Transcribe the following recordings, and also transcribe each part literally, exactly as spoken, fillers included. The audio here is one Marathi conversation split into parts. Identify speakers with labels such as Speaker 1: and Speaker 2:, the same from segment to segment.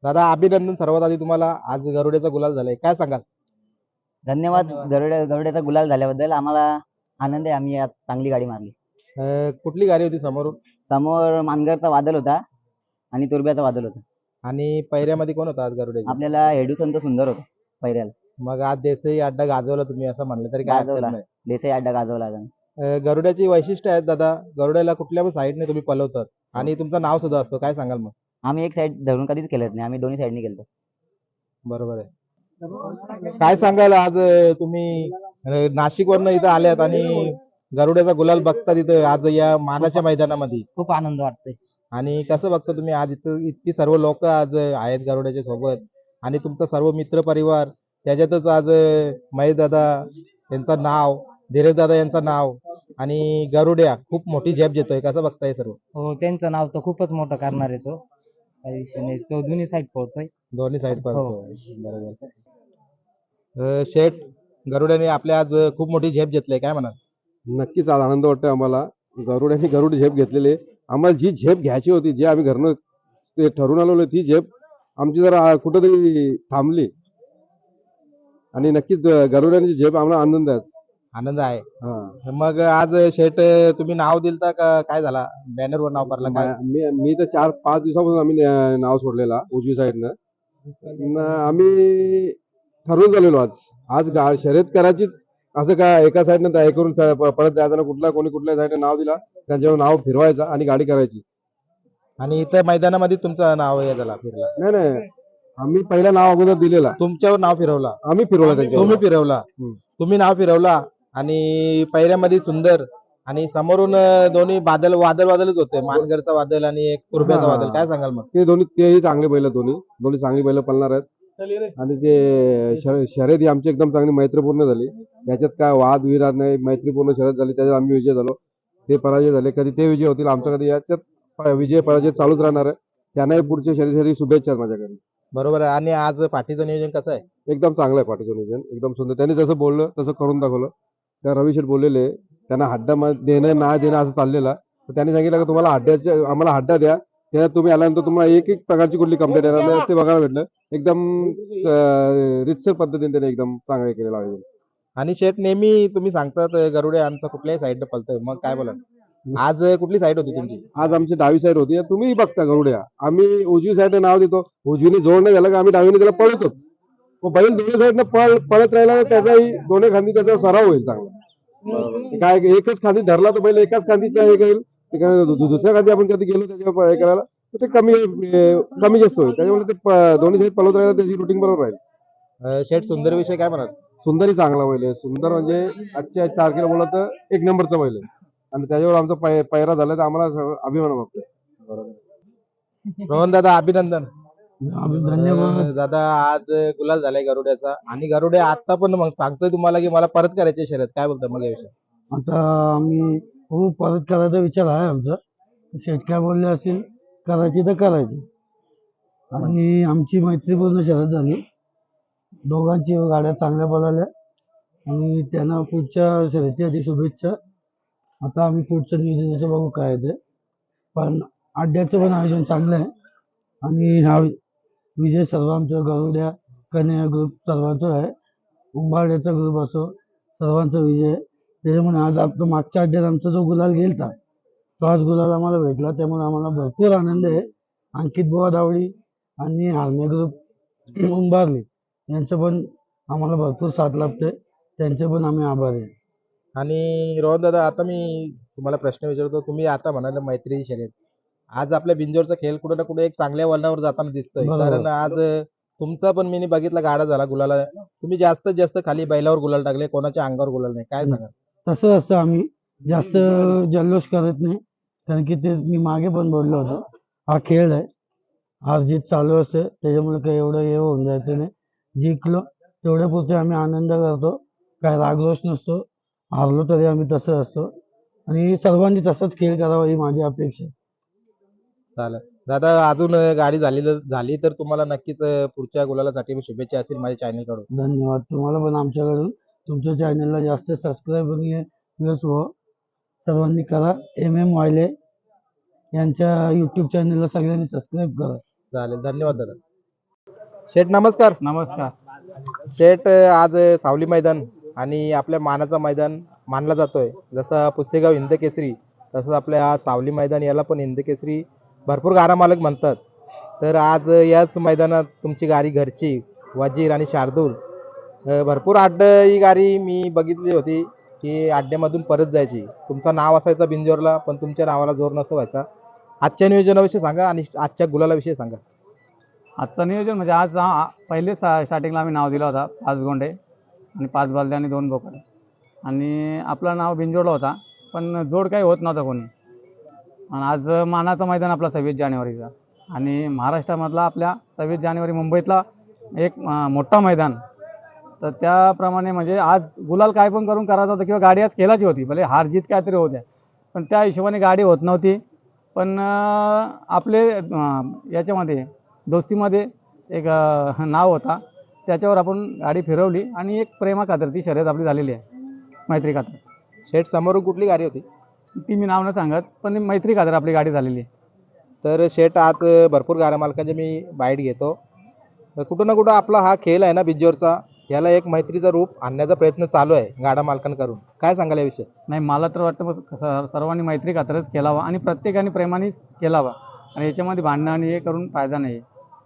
Speaker 1: दादा अभिनंदन सर्वात आधी तुम्हाला, आज गरुड्याचा गुलाल झालाय, काय सांगाल?
Speaker 2: धन्यवाद. गरुड्या गरुड्याचा गुलाल झाल्याबद्दल आम्हाला आनंद आहे. आम्ही आज चांगली गाडी मारली.
Speaker 1: अं, कुठली गाडी होती समोरून?
Speaker 2: समोर मानगरचा वादल होता आणि तुर्ब्याचा वादल होता.
Speaker 1: आणि पैऱ्यामध्ये कोण होता आज गरुड्याची?
Speaker 2: आपल्याला हेडूसंत सुंदर होता पहिऱ्याला.
Speaker 1: मग आज देसाई अड्डा गाजवला तुम्ही असं म्हणलं तरी काय हरकत
Speaker 2: गाजवला
Speaker 1: नाही.
Speaker 2: देसाई अड्डा गाजवला आम्ही.
Speaker 1: अं, गरुड्याची वैशिष्ट्य आहेत दादा, गरुड्याला कुठल्या पण साईडने तुम्ही पलवतात आणि तुमचं नाव सुद्धा असतो, काय सांगाल मग?
Speaker 2: आम्ही एक साईड धरून कधीच केलंच नाही. आम्ही दोन्ही साईडनी केलतो.
Speaker 1: बरोबर आहे. काय सांगाल आज अं, तुम्ही अं, नाशिकवरनं इथं आल्यात आणि गरुड्याचा गुलाल बघता तिथं आज या मानाच्या मैदानामध्ये,
Speaker 2: खूप आनंद वाटतोय.
Speaker 1: आणि कसं बघता तुम्ही आज इथं इतकी सर्व लोक आज आहेत गरुड्याच्या सोबत आणि तुमचा सर्व मित्र परिवार त्याच्यातच आज महेश दादा यांचं नाव, धीरज दादा यांचं नाव आणि गरुड्या खूप मोठी झेप देतोय, कसं बघताय सर्व?
Speaker 3: हो, त्यांचं नाव तर खूपच मोठं करणार आहे तो. काही विषय नाही. तो दोन्ही साईड पळतोय.
Speaker 1: दोन्ही साईड
Speaker 3: हो.
Speaker 1: पळतो. बरोबर. अं, शेठ, गरुड्याने आपल्या आज खूप मोठी झेप घेतली, काय म्हणा?
Speaker 4: नक्कीच आज आनंद वाटतोय आम्हाला. गरुड्याने गरुड झेप घेतलेली आहे. आम्हाला जी झेप घ्यायची होती, जे आम्ही घरनं ते ठरवून आलेलो ती झेप आमची जरा कुठंतरी थांबली आणि नक्कीच गरुड्याची झेप आम्हाला आनंद आहे.
Speaker 1: आनंद आहे.
Speaker 4: हा.
Speaker 1: मग आज शेठ तुम्ही नाव दिलता का काय झाला, बॅनरवर नाव पडला काय?
Speaker 4: मी मी तर चार पाच दिवसापासून आम्ही न- नाव सोडलेला उजवी साईडनं. न आम्ही ठरवून झालेलो आज आज गा शर्यत करायचीच, असं काय एका साईडनं तयार करून स- प- परत जाताना कुठला कोणी कुठल्या साईडनं नाव दिला त्यांच्यावर नाव फिरवायचं आणि गाडी करायची.
Speaker 1: आणि इथं मैदानामध्ये तुमचं नाव हे झाला फिरला?
Speaker 4: नाही नाही, आम्ही पहिला नाव अगोदर दिलेला,
Speaker 1: तुमच्यावर नाव फिरवला?
Speaker 4: आम्ही फिरवला त्यांच्यावर.
Speaker 1: तुम्ही फिरवला?
Speaker 4: हम्म.
Speaker 1: तुम्ही नाव फिरवला आणि पैऱ्यामध्ये सुंदर आणि समोरून अं, दोन्ही बादल वादळ वादळच होते, मानगरचा वादळ आणि एक तुर्ब्याचा
Speaker 4: हा.
Speaker 1: वादळ, काय सांगाल मग?
Speaker 4: ते दोन्ही तेही चांगले बैल, दोन्ही दोन्ही चांगली बैल पळणार आहेत. आणि ते शर- शर्यत ही आमची एकदम चांगली मैत्रीपूर्ण झाली. याच्यात काय वाद विराद नाही, मैत्रीपूर्ण शर्यत झाली, त्याच्यात आम्ही विजय झालो. ते पराजय झाले, कधी ते विजय होतील आमच्या, कधी याच्यात प- विजय पराजय चालूच राहणार आहे. त्यांनाही पुढच्या शर्यतीसाठी शुभेच्छा आहेत माझ्याकडे.
Speaker 1: बरोबर आहे. आणि आज पाठीचं नियोजन कसं आहे?
Speaker 4: एकदम चांगलं आहे पाठीचं नियोजन, एकदम सुंदर. त्यांनी जसं बोललं तसं करून दाखवलं. त्या रवी शेठ बोललेले त्यांना हड्डा म- देणं नाही देणं असं चाललेलं, तर त्यांनी सांगितलं की तुम्हाला हड्ड्याचे आम्हाला हड्डा द्या, त्याच्यात तुम्ही आल्यानंतर तुम्हाला एक एक प्रकारची कुठली कंप्लेंट येणार नाही, ते बघायला भेटलं. एकदम अं, रितसर पद्धतीने त्याने एकदम चांगलं केलेलं आहे.
Speaker 1: आणि शेठ, नेहमी तुम्ही सांगतात अं, गरुडे आमचा कुठल्याही साईडनं पलतोय, मग काय बोला, आज अं, कुठली साईड होती तुमची?
Speaker 4: आज आमची डावी साईड होती, तुम्ही बघता गरुड्या आम्ही उजवी साईडने नाव देतो, उजवीने जोड नाही झालं का आम्ही डावीने त्याला पळतोच. मग बैल दोन्ही साईडनं पळ पळत राहिला तर त्याचाही दोन्ही खांदी त्याचा सराव होईल चांगला. काय एकच खांदी धरला तर बैल एकाच खांदीचा हे करेल, ते काय दु- दु- दुसऱ्या खांदी आपण कधी गेलो त्याच्यावर हे करायला तर ते कमी अं, कमी जास्त होईल. त्याच्यामुळे ते प- दोन्ही साईड पळत राहिला त्याची रुटीन बरोबर राहील.
Speaker 1: अं, शेठ, सुंदर विषय काय म्हणाल?
Speaker 4: सुंदरही चांगला बैल आहे. सुंदर म्हणजे आजच्या तारखेला बोलला तर एक नंबरचा बैल आहे आणि त्याच्यावर आमचा पै- पैरा झाला तर आम्हाला सगळं अभिमान वाटतो.
Speaker 1: रोहन दादा अभिनंदन.
Speaker 3: धन्यवाद.
Speaker 1: अं, दादा आज गुलाल झालाय गरुड्याचा आणि गरुड्या आता पण मग सांगतोय तुम्हाला की मला परत करायची शर्यत, काय बोलता मग याविषयी?
Speaker 3: आता आम्ही हो परत करायचा विचार आहे आमचा. शेठ काय बोलले असेल करायची तर करायची. आणि आमची मैत्रीपूर्ण शर्यत झाली. दोघांची गाड्या चांगल्या पळाल्या आणि त्यांना पुढच्या शर्यतीसाठी शुभेच्छा. आता आम्ही पुढचं नियोजनाचं बघू काय आहे ते. पण अड्ड्याचं पण आयोजन चांगलं आहे आणि हा विजय सर्व आमच्या गरुड्या कन्या ग्रुप सर्वांचा आहे. उंबाड्याचा ग्रुप असो, सर्वांचा विजय आहे. त्याच्यामुळे आज आपलं मागच्या अड्ड्यात आमचा जो गुलाल गेलता तो आज गुलाल आम्हाला भेटला, त्यामुळे आम्हाला भरपूर आनंद आहे. अंकित बुवा दावडी आणि हार्मे ग्रुप उंबारली यांचं पण आम्हाला भरपूर साथ लाभते, त्यांचे पण आम्ही आभारी आहे.
Speaker 1: आणि रोहन दादा, आता मी तुम्हाला प्रश्न विचारतो, तुम्ही आता म्हणाले मैत्री शर्यत, आज आपल्या बिंजोरचा खेळ कुठे ना कुठे एक चांगल्या वळणावर जाताना दिसतोय,
Speaker 3: बरोबर.
Speaker 1: कारण आज तुमचा पण मी बघितला गाडा झाला गुलाला, तुम्ही जास्तीत जास्त खाली बैलावर गुलाल टाकले, कोणाच्या अंगावर गुलाल नाही, काय सांगा?
Speaker 3: तसं असतं, आम्ही जास्त जल्लोष करत नाही, कारण की ते मी मागे पण बोललो होतो, हा खेळ आहे, हार जीत चालू असते, त्याच्यामुळे काही एवढं हे होऊन जायचं नाही. जिंकलो तेवढ्यापुरते आम्ही आनंद करतो, काय रागरोष नसतो. हारलो तरी आम्ही तसं असतो आणि सर्वांनी तसंच खेळ करावा ही माझी अपेक्षा आहे.
Speaker 1: चालेल दादा, अजून गाडी झाली झाली तर तुम्हाला नक्कीच पुढच्या गुलालासाठी शुभेच्छा असतील माझ्या चॅनल कडून.
Speaker 3: धन्यवाद. तुम्हाला पण आमच्याकडून तुमच्या चॅनलला जास्त सबस्क्राईब प्लस हो सर्वांनी करा. एम एम वायले यांच्या यूट्यूब चॅनलला सगळ्यांनी सबस्क्राईब करा.
Speaker 1: चालेल, धन्यवाद दादा. शेठ नमस्कार.
Speaker 3: नमस्कार.
Speaker 1: शेठ आज सावली मैदान आणि आपल्या मानाचं मैदान मानला जातोय. जसं पुसेगाव हिंद केसरी तसंच आपल्या हा सावली मैदान याला पण हिंद केसरी भरपूर गाडा मालक म्हणतात. तर आज याच मैदानात तुमची गाडी घरची वजीर आणि शार्दूल अ, भरपूर अड्ड ही गाडी मी बघितली होती की अड्ड्यामधून परत जायची. तुमचं नाव असायचं बिंजोरला पण तुमच्या नावाला जोर नसं व्हायचा. आजच्या नियोजनाविषयी सांगा आणि आजच्या गुलालाविषयी सांगा.
Speaker 5: आजचं नियोजन म्हणजे आज हा पहिले सा स्टार्टिंगला आम्ही नाव दिला होता पाच गोंडे आणि पाच बालद्या आणि दोन बोकडे आणि आपलं नाव बिंजोडला होता पण जोड काही होत नव्हता कोणी. आणि आज मानाचं मैदान आपला सव्वीस जानेवारीचा आणि महाराष्ट्रामधला आपल्या सव्वीस जानेवारी मुंबईतला एक अं, मोठा मैदान. तर त्याप्रमाणे म्हणजे आज गुलाल काय पण करून करायचा होता किंवा गाडी आज खेळायची होती भले हार जीत काहीतरी होत्या पण त्या हिशोबाने गाडी होत नव्हती. पण अं, आपले अं, याच्यामध्ये दोस्तीमध्ये एक अ, नाव होता त्याच्यावर आपण गाडी फिरवली आणि एक प्रेमा खातर ती शर्यत आपली झालेली आहे मैत्री खातर.
Speaker 1: शेठ समोरून कुठली गाडी होती?
Speaker 5: ती मी नाव न सांगत पण मैत्री खातर आपली गाडी झालेली आहे.
Speaker 1: तर शेठ आज भरपूर गाड्या मालकांचे मी बाईट घेतो. तर कुठं ना कुठं आपला हा खेळ आहे ना बिज्जोरचा याला एक मैत्रीचं रूप आणण्याचा प्रयत्न चालू आहे गाडा मालकांकडून. काय सांगाल याविषयी?
Speaker 5: नाही मला तर वाटतं बस स- सर्वांनी मैत्री खातरच केलावा आणि प्रत्येकाने प्रेमानेच केलावा आणि याच्यामध्ये भांडणं आणि हे करून फायदा नाही.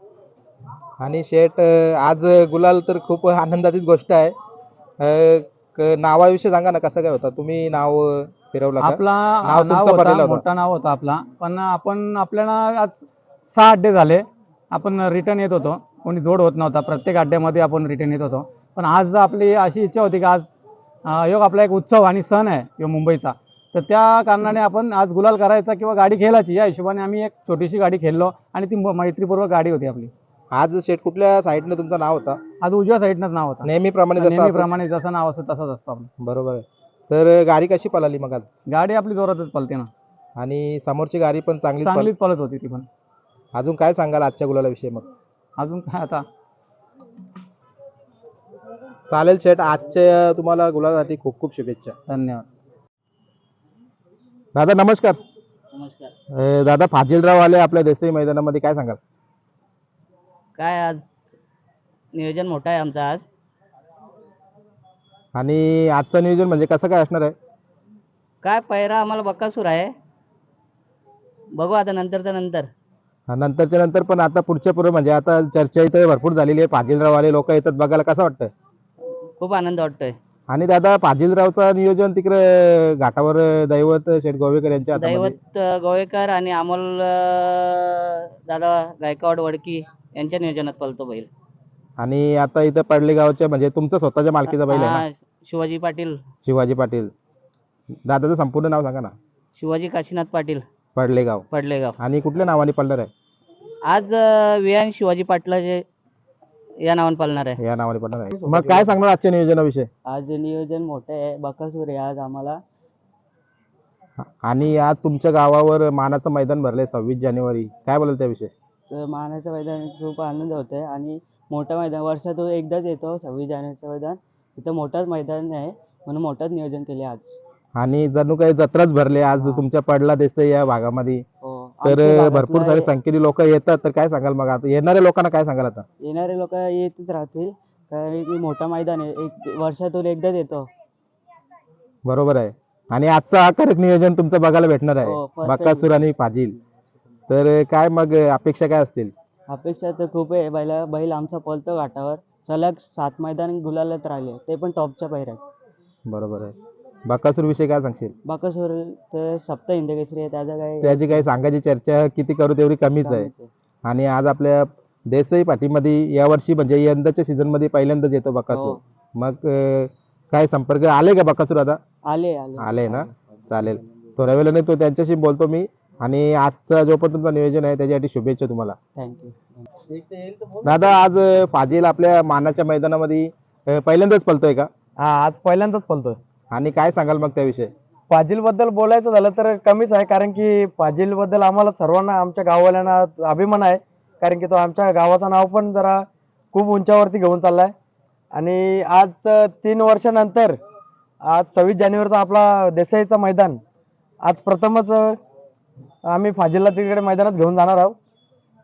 Speaker 1: आणि शेठ अं, आज गुलाल तर खूप आनंदाचीच गोष्ट आहे. अं, क- नावाविषयी सांगा ना कसं काय होतं तुम्ही नाव अं, फिरवलं का?
Speaker 5: आपला
Speaker 1: नाव
Speaker 5: नाव
Speaker 1: तुमचं पडलेलं
Speaker 5: होता
Speaker 1: होतं.
Speaker 5: मोठा नाव होता आपला पण आपण आपल्याला आज सहा अड्डे झाले आपण रिटर्न येत होतो कोणी जोड होत नव्हता प्रत्येक अड्ड्यामध्ये आपण रिटर्न येत होतो. पण आज आपली अशी इच्छा होती की आज अं, योग आपला एक उत्सव आणि सण आहे यो मुंबईचा तर त्या कारणाने आपण आज गुलाल करायचा किंवा गाडी खेळायची या हिशोबाने आम्ही एक छोटीशी गाडी खेळलो आणि ती म- मैत्रीपूर्वक गाडी होती आपली.
Speaker 1: आज शेठ कुठल्या साईडने तुमचं नाव होता?
Speaker 5: आज उजव्या साईडनंच नाव होतं
Speaker 1: नेहमीप्रमाणे जसं असतं?
Speaker 5: नेहमीप्रमाणे जसं नाव असतं तसंच असतं आपलं.
Speaker 1: बरोबर आहे. तर गाडी कशी पळाली मग आज?
Speaker 5: गाडी आपली जोरातच पळते ना
Speaker 1: आणि समोरची गाडी पण चांगली
Speaker 5: चांगलीच पळत होती ती पण.
Speaker 1: अजून काय सांगाल आजच्या गुलालाविषयी मग?
Speaker 5: अजून काय आता
Speaker 1: चालेल शेठ आजच्या तुम्हाला गुलालासाठी खूप खूप शुभेच्छा.
Speaker 5: धन्यवाद.
Speaker 1: दादा नमस्कार.
Speaker 2: नमस्कार.
Speaker 1: अं, दादा फाजिलराव आले आपल्या देसाई मैदानामध्ये काय सांगाल?
Speaker 2: काय आज नियोजन मोठं आहे आमचं आज.
Speaker 1: आणि आजचं नियोजन म्हणजे कसं काय असणार आहे?
Speaker 2: काय पैरा आम्हाला बक्कासूर आहे. बघू आता नंतरच्या नंतर.
Speaker 1: हा, नंतरच्या नंतर पण आता पुढच्या पुढे म्हणजे आता चर्चा इथे भरपूर झालेली आहे. फाजिलराव आले लोक येतात बघायला कसं वाटतं?
Speaker 2: खूप आनंद वाटतोय.
Speaker 1: आणि दादा फाजिलरावचं नियोजन तिकडे घाटावर दैवत शेठ गोवेकर यांच्या हातामध्ये.
Speaker 2: दैवत अं, गोवेकर आणि अमोल अं, दादा गायकवाड वडकी यांच्या नियोजनात पळतो बैल.
Speaker 1: आणि आता इथं पडले गावच्या म्हणजे तुमचं स्वतःच्या मालकीचा बैल आहे ना?
Speaker 2: हा, शिवाजी पाटील.
Speaker 1: शिवाजी पाटील. दादाचं संपूर्ण नाव सांगा ना?
Speaker 2: शिवाजी काशीनाथ पाटील
Speaker 1: पडलेगाव.
Speaker 2: पडलेगाव.
Speaker 1: आणि कुठल्या नावाने पडणार आहे?
Speaker 2: आज अं, विहान शिवाजी पाटलाचे या नावाने पळणार आहे.
Speaker 1: या नावाने पडणार आहे. मग काय सांगणार आजच्या नियोजनाविषयी?
Speaker 2: आज नियोजन मोठं आहे. बकासूर आहे आज आम्हाला.
Speaker 1: आणि आज तुमच्या गावावर मानाचं मैदान भरलंय सव्वीस जानेवारी काय बोलाल त्याविषयी?
Speaker 2: तर मानाचं मैदान खूप आनंद होत आहे आणि मोठं मैदान वर्षातून एकदाच येतो सव्वीस जानेवारीचं मैदान. तिथं मोठंच मैदान आहे म्हणून मोठंच नियोजन केले आज.
Speaker 1: आणि जणू काही जत्राच भरले आज तुमच्या पडला देसाई या भागामध्ये.
Speaker 2: हो.
Speaker 1: तर
Speaker 2: आमच्या भागातलं
Speaker 1: भरपूर सारे संख्येने लोक येतात तर काय सांगाल मग आता येणाऱ्या लोकांना काय सांगाल आता?
Speaker 2: येणारे लोक येतच राहतील कारण की मोठा मैदान आहे. एक वर्षातून एकदाच येतो.
Speaker 1: बरोबर आहे. आणि आजचं आकारक नियोजन तुमचं बघायला भेटणार
Speaker 2: हो,
Speaker 1: आहे
Speaker 2: perfect.
Speaker 1: बकासूर आणि फाजील. तर काय मग अपेक्षा काय असतील?
Speaker 2: अपेक्षा तर खूप आहे. बैल बैल आमचा पळतो घाटावर. सलग सात मैदान गुलालात राहिले ते पण टॉपच्या पैऱ्यात.
Speaker 1: बरोबर आहे. बकासूर विषयी काय सांगशील?
Speaker 2: बाकासूर तर सप्त हिंद केसरी आहे त्याचा काही
Speaker 1: त्याची काही सांगायची चर्चा किती करू तेवढी कमीच आहे. आणि आज आपल्या देसाई पाठीमध्ये यावर्षी म्हणजे यंदाच्या सीझन मध्ये पहिल्यांदाच येतो बकासूर.
Speaker 2: हो.
Speaker 1: मग अं, काय संपर्क आले का बकासूर आता?
Speaker 2: आले आले
Speaker 1: आले ना? चालेल. थोड्या वेळाने तो त्यांच्याशी बोलतो मी. आणि आजचा जो पण तुमचं नियोजन आहे त्याच्यासाठी शुभेच्छा तुम्हाला.
Speaker 2: थँक्यू.
Speaker 1: दादा आज अं, फाजील आपल्या मानाच्या मैदानामध्ये अं, पहिल्यांदाच पळतोय का?
Speaker 5: हा आज पहिल्यांदाच पळतोय.
Speaker 1: आणि काय सांगाल मग त्याविषयी?
Speaker 5: पाजील बद्दल बोलायचं झालं तर कमीच आहे कारण की पाजील बद्दल आम्हाला सर्वांना आमच्या गाववाल्यांना अभिमान आहे कारण की तो आमच्या गावाचं नाव पण जरा खूप उंचावरती घेऊन चाललाय. आणि आज तीन वर्षानंतर आज सव्वीस जानेवारीचा आपला देसाईचा मैदान आज प्रथमच आम्ही फाजीलला तिकडे मैदानात घेऊन जाणार आहोत.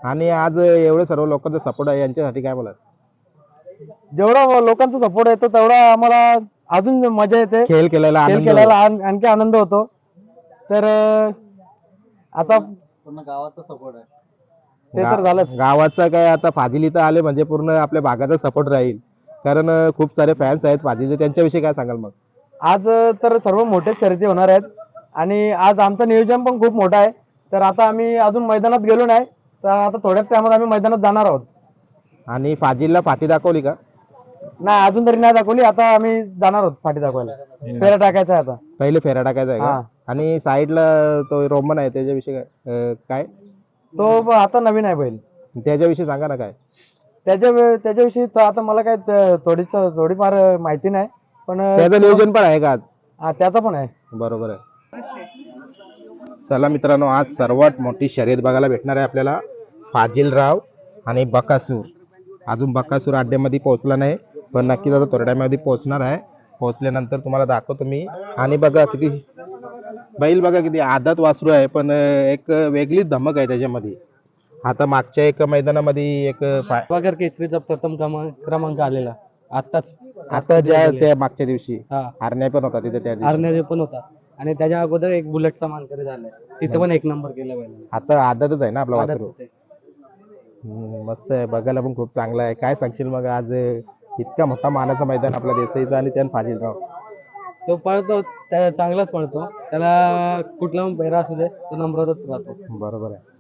Speaker 1: आणि आज एवढे सर्व लोकांचा सपोर्ट आहे यांच्यासाठी काय बोला?
Speaker 6: जेवढा लोकांचा सपोर्ट येतो तेवढा आम्हाला अजून मजा येते.
Speaker 1: खेळ केलेला
Speaker 6: खेळ
Speaker 1: आनंद
Speaker 6: केल्याला आण- आणखी आनंद होतो. तर अं, आता
Speaker 2: पूर्ण गावाचा सपोर्ट आहे.
Speaker 6: ते तर
Speaker 1: गा-
Speaker 6: झालंच.
Speaker 1: गावाचा काय आता फाजिल इथं आले म्हणजे पूर्ण आपल्या भागाचा सपोर्ट राहील, कारण अं, खूप सारे फॅन्स आहेत फाजिलचे. त्यांच्याविषयी काय सांगाल मग?
Speaker 6: आज तर सर्व मोठे शर्यती होणार आहेत आणि आज आमचं नियोजन पण खूप मोठं आहे. तर आता आम्ही अजून मैदानात गेलो नाही, तर आता थोड्याच टायमात आम्ही मैदानात जाणार आहोत.
Speaker 1: आणि फाजिलला फाटी दाखवली का?
Speaker 6: नाही अजून तरी नाही दाखवली. आता आम्ही जाणार आहोत फाटी दाखवायला. फेरा टाकायचा आहे आता.
Speaker 1: पहिले फेरा टाकायचा आहे
Speaker 6: हा.
Speaker 1: का? आणि साईडला तो रोमन आहे त्याच्याविषयी काय अं, काय
Speaker 6: तो ब- आता नवीन आहे बैल.
Speaker 1: त्याच्याविषयी सांगा ना काय?
Speaker 6: त्याच्या वे- त्याच्याविषयी तर आता मला काय त- थोडीच थोडीफार माहिती नाही, पण
Speaker 1: त्याचं नियोजन पण आहे का आज?
Speaker 6: हा, त्याचा पण आहे.
Speaker 1: बरोबर आहे. चला मित्रांनो, आज सर्वात मोठी शर्यत बघायला भेटणार आहे आपल्याला. फाजिलराव आणि बकासूर. अजून बकासूर अड्ड्यामध्ये पोहोचला नाही, पण नक्कीच आता थोड्या टायमामध्ये पोहोचणार आहे. पोहोचल्यानंतर तुम्हाला दाखवतो मी. आणि बघा किती बैल, बघा किती आदत वासरू आहे, पण एक वेगळीच धमक आहे त्याच्यामध्ये. आता मागच्या एक मैदानामध्ये एक फा-
Speaker 2: वाघर केसरीचा प्रथम क्रमांक क्रमांक आलेला आत्ताच.
Speaker 1: आता ज्या त्या मागच्या दिवशी
Speaker 2: हा
Speaker 1: हरण्या पण होता तिथे त्या दिवशी.
Speaker 2: आर्नेरे पण होता आणि त्याच्या अगोदर एक बुलेटचा मानकरी झालाय, तिथे पण एक नंबर केला पाहिजे.
Speaker 1: आता आदतच आहे ना आपला वासरू. हम्म, मस्त आहे, बघायला पण खूप चांगला आहे. काय सांगशील मग आज इतका मोठा मानाचा मैदान आपला देसाईचा आणि त्यात फाजिलराव?
Speaker 2: तो पळतो, त्या चांगलाच पळतो. त्याला कुठला पण पैरा असू दे तो नंबरातच राहतो.
Speaker 1: बरोबर आहे.